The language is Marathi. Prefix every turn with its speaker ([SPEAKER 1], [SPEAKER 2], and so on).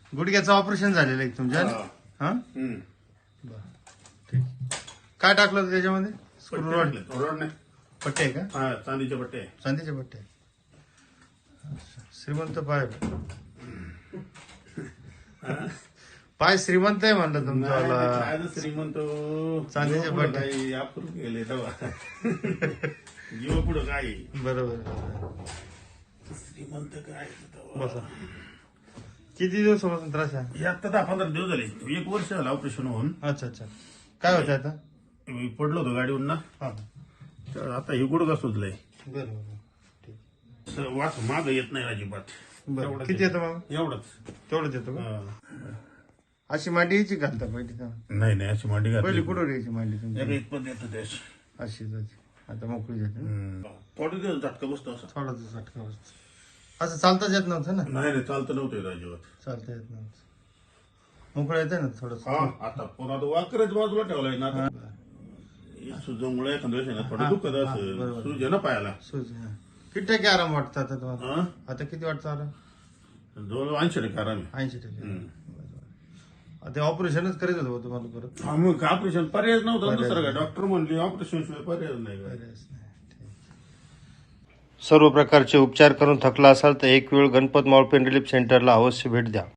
[SPEAKER 1] गुडघ्याचं ऑपरेशन झालेलं आहे तुमच्या हा बरं ठीक. काय टाकलं होतं त्याच्यामध्ये? स्क्रू रॉड
[SPEAKER 2] नाही
[SPEAKER 1] पट्टे आहे का?
[SPEAKER 2] हा चांदीचे पट्टे
[SPEAKER 1] चांदीचे पट्टे. अच्छा. श्रीमंत पाय पाय श्रीमंत आहे म्हणलं तुमचा.
[SPEAKER 2] श्रीमंत
[SPEAKER 1] चांदीचे पट्टे.
[SPEAKER 2] काही आपण गेले तेव्हा जीव पुढं काय
[SPEAKER 1] बरोबर.
[SPEAKER 2] श्रीमंत काय
[SPEAKER 1] बसा. किती दिवसापासून त्रास आहे?
[SPEAKER 2] आता 10-15 दिवस झाले. 1 वर्ष झालं ऑपरेशन होऊन.
[SPEAKER 1] अच्छा अच्छा. काय होतं आता?
[SPEAKER 2] मी पडलो होतो गाडीवरून ना,
[SPEAKER 1] हा
[SPEAKER 2] तर आता हे गुडघा सुजलंय.
[SPEAKER 1] बरोबर ठीक.
[SPEAKER 2] वास माग येत नाही अजिबात.
[SPEAKER 1] बरं किती येतं मग?
[SPEAKER 2] एवढंच.
[SPEAKER 1] तेवढंच येतो का?
[SPEAKER 2] हा.
[SPEAKER 1] अशी मांडी यायची घालता पहिली का?
[SPEAKER 2] नाही अशी मांडी घातली.
[SPEAKER 1] पहिली कुठं यायची मांडी तुमची?
[SPEAKER 2] इतपत येतं त्याची.
[SPEAKER 1] अशीच आता मोकळी जाते ना?
[SPEAKER 2] थोडे दिवस झटका बसतो असं.
[SPEAKER 1] थोडासा झटका बसतो. असं चालताच येत नव्हतं ना?
[SPEAKER 2] नाही चालतं नव्हतं येत अजिबात.
[SPEAKER 1] चालता येत नव्हतं. मोकळं येते ना थोडस.
[SPEAKER 2] हा आता पुन्हा तो वाकरच बाजूला ठेवलाय ना आता. सुजमुळे एखाद्या वेळेस ना थोडं दुखत असं सुज आहे ना पायाला.
[SPEAKER 1] सुज किती टक्के आराम वाटतं आता तुम्हाला?
[SPEAKER 2] हा?
[SPEAKER 1] आता किती वाटतं आराम?
[SPEAKER 2] जवळ 80% आराम आहे.
[SPEAKER 1] 80%. आता ऑपरेशनच करायचं होतं तुम्हाला परत?
[SPEAKER 2] हा मग ऑपरेशन पर्याय नव्हता दुसरं काय. डॉक्टर म्हणले ऑपरेशन शिवाय पर्याय नाही काय.
[SPEAKER 1] सर्व प्रकारचे उपचार करून थकला असाल तर एक वेळ गणपत मॉल पेन रिलीफ सेंटरला अवश्य भेट द्या.